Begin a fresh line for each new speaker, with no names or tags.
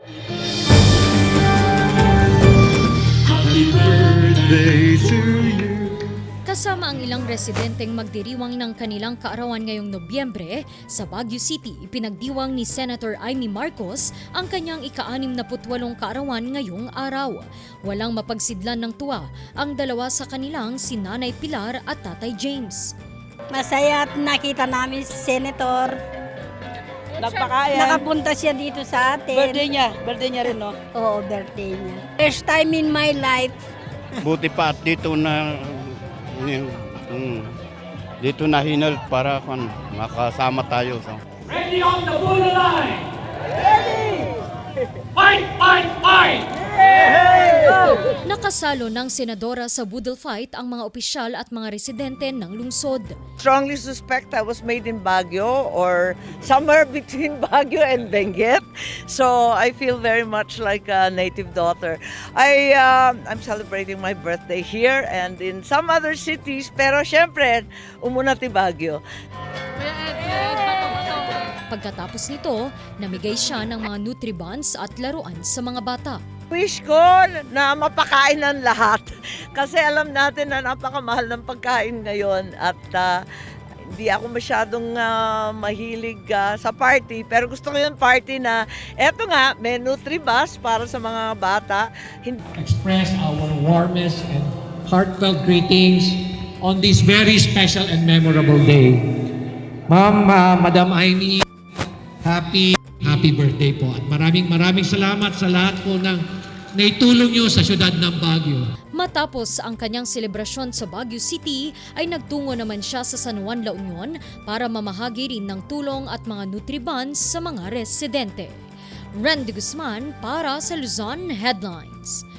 Happy birthday to you.
Kasama ang ilang residenteng magdiriwang ng kanilang kaarawan ngayong Nobyembre, sa Baguio City ipinagdiwang ni Senator Amy Marcos ang kanyang ika-68 kaarawan ngayong araw. Walang mapagsidlan ng tuwa ang dalawa sa kanilang, si Nanay Pilar at Tatay James.
Masaya at nakita namin si Senator.
Nagpakayan.
Nakapunta siya dito sa atin.
Birthday niya rin, no?
Oo, birthday niya. First time in my life.
Buti pa at dito na dito na hinal para makasama tayo.
Ready on the bullet line! Ready! Fight, fight, fight!
Nakasalo ng senadora sa budol fight ang mga opisyal at mga residente ng lungsod.
Strongly suspect I was made in Baguio or somewhere between Baguio and Benguet. So I feel very much like a native daughter. I'm celebrating my birthday here and in some other cities, pero syempre, umuna ti Baguio.
Pagkatapos nito, namigay siya ng mga Nutribans at laruan sa mga bata.
Wish ko na mapakain ng lahat kasi alam natin na napakamahal ng pagkain ngayon at hindi ako masyadong mahilig sa party pero gusto ko yung party na eto nga, may Nutribus para sa mga bata.
Express our warmest and heartfelt greetings on this very special and memorable day. Ma'am, Madam Aimee, happy birthday po. At maraming salamat sa lahat po ng naitulong nyo sa syudad ng Baguio.
Matapos ang kanyang selebrasyon sa Baguio City, ay nagtungo naman siya sa San Juan, La Union para mamahagi rin ng tulong at mga Nutribans sa mga residente. Randy Guzman para sa Luzon Headlines.